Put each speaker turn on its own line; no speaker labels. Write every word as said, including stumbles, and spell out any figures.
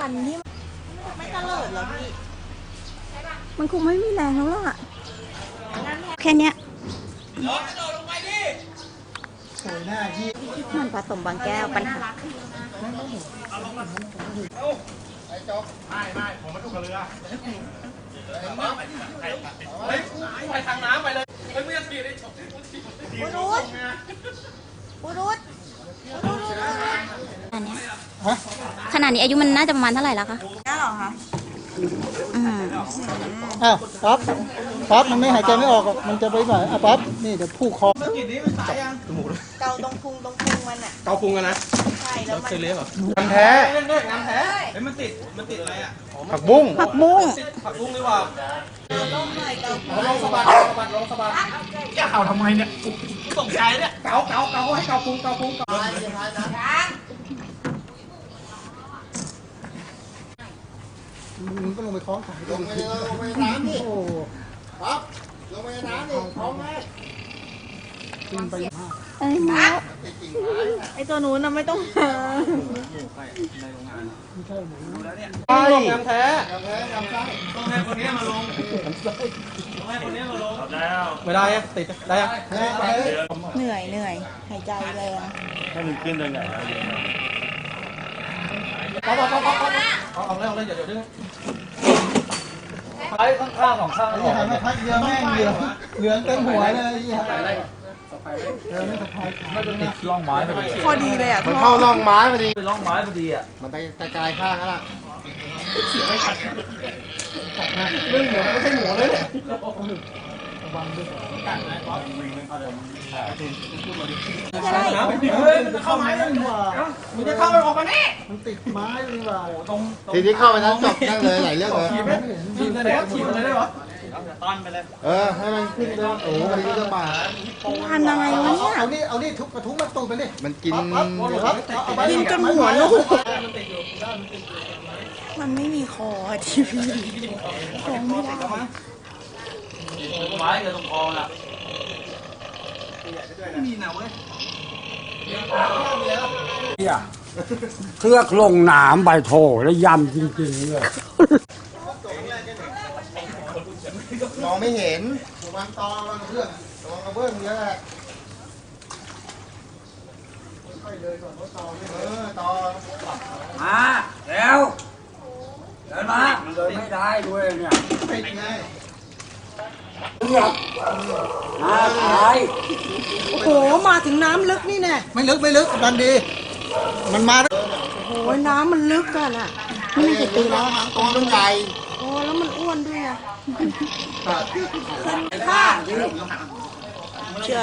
คันที่ไม่ตะเลิดเหรอพี่
มันคงไม่มีแรงแล้วล่ะแค่เนี้ยมันผสมบางแก้วปัญหา
ไอ้จ๊อกไม่ไม่ผมมาดูกับเรือเฮ้ยไปทางน้ำไปเลยเฮ้ยไม่ต้องตีได้จบ
ปูรุษปูรุษปูรุษ
อันนี้ขนาดนี้อายุมันน่าจะประมาณเท่าไหร่แล้วคะ
น่าหรอคะ
อืม
อ้าวปั๊บปั๊บมันไม่หายใจไม่ออกมันจะไปไหนอ่ะปั๊บนี่เดี๋ยวผูกคอ
เกาตรงพุงตรงพุงมันอ่ะ
เกาพุงกันนะ
ใช่แล้วมัน
เคยเลี้ยงเหรอ
น้ำแท้
น้ำแท้เฮ้ยมันติดมันติดอะไรอ่ะ
ผักบุ้ง
ผักบุ้ง
ผักบุ้งดีกว่า
ลงหน่อยเกา
ลงสะบัดสะบัดลงสะบัดแกเข่าทำไมเนี่ยตกใจเนี่ยเกาเกาเกาให้เกาพุงเกาพุงเกา
มึงก็ลงไปคล้องขาลงไปลงไปน้ำนี่โอ้ปั๊บลงไปน้ำนี่คล้องไหมขึ้นไป
เอ้ยน้า
ไอตัวนู้นน่ะไม่ต้องหา
ไม่ใช่หมู
แล้วเนี่ยใช่น้ำแท้น้ำแท้น้ำไส้ต้องให้คนนี้มาลงต้องให้คนนี้มาลงแล้วไม่ได้อะติดได้อะ
เหนื่อยเหนื่อยหายใจแรง
ถ้ามันขึ้นได้ไงเอาเอาเอาเอาเอาเอาเลยเอาเลยเดี๋ยวเดี๋ยวดึงไอ้ข้างๆสองข้าง
ไอ้ยี่ห้อไม่พัดเรือแม่งเหลืองเหลืองเต็มหัวเลยยี่ห้อเออไม่สะพายไม่เป็นไร
ล่องไม้พอดี
พอดีเลยอ่ะ
มันเข้าร่องไม้พอดี
ล่องไม้พอดีอ่ะ
มันไปกระจายข้างแล้วล่ะ
เรื่องหมูไม่ใช่หมูเลยเนี่ย
จะได้
เข้าไม้เลยว่ะมันจะเข้ามันออกมาแน่
มันติดไม้เลยว่ะ
ตรง
ทีนี้เข้าไปนั้นจบนั่งเลยหลายเรื่องเลย
ทีมเลยแล้วทีมเลยได้หรอต้อนไปเลย
เออให้มันขึ้นเลยโอ้โหมันก็มา
พันอะไรวะเนี่ย
เอานี่เอานี่ทุบกระทุ้งมันตูดไปดิมันกิน
ครับกินจนหัวลูกมันไม่มีคอทีวีคอไม่ได้
ไม้กับตรงคอน่ะมีนะเว้ย
เครือกลงหนามใบโถแล้วยำจริงๆเลย
มองไม่เห็นวางตอวางเพื่อนวางกระเบื้องเยอะแหละค่อยเลยก่อนเพราะตอไม่เออตอ
มาแล้วเดินมาเดินไม่ได้ด้วยเนี่ย
ติดไง
เลือกมาตาย
โอ้โหมาถึงน้ำลึกนี่แน่
ไม่ลึกไม่ลึกดันดีมันมา
โอ้ยน้ำมันลึกกันอ่ะ
นี่มันกี่ปีแล้วครับตัวมันใหญ่
โอ้แล้วมันอ้วนด้วยอ่ะ
ข้า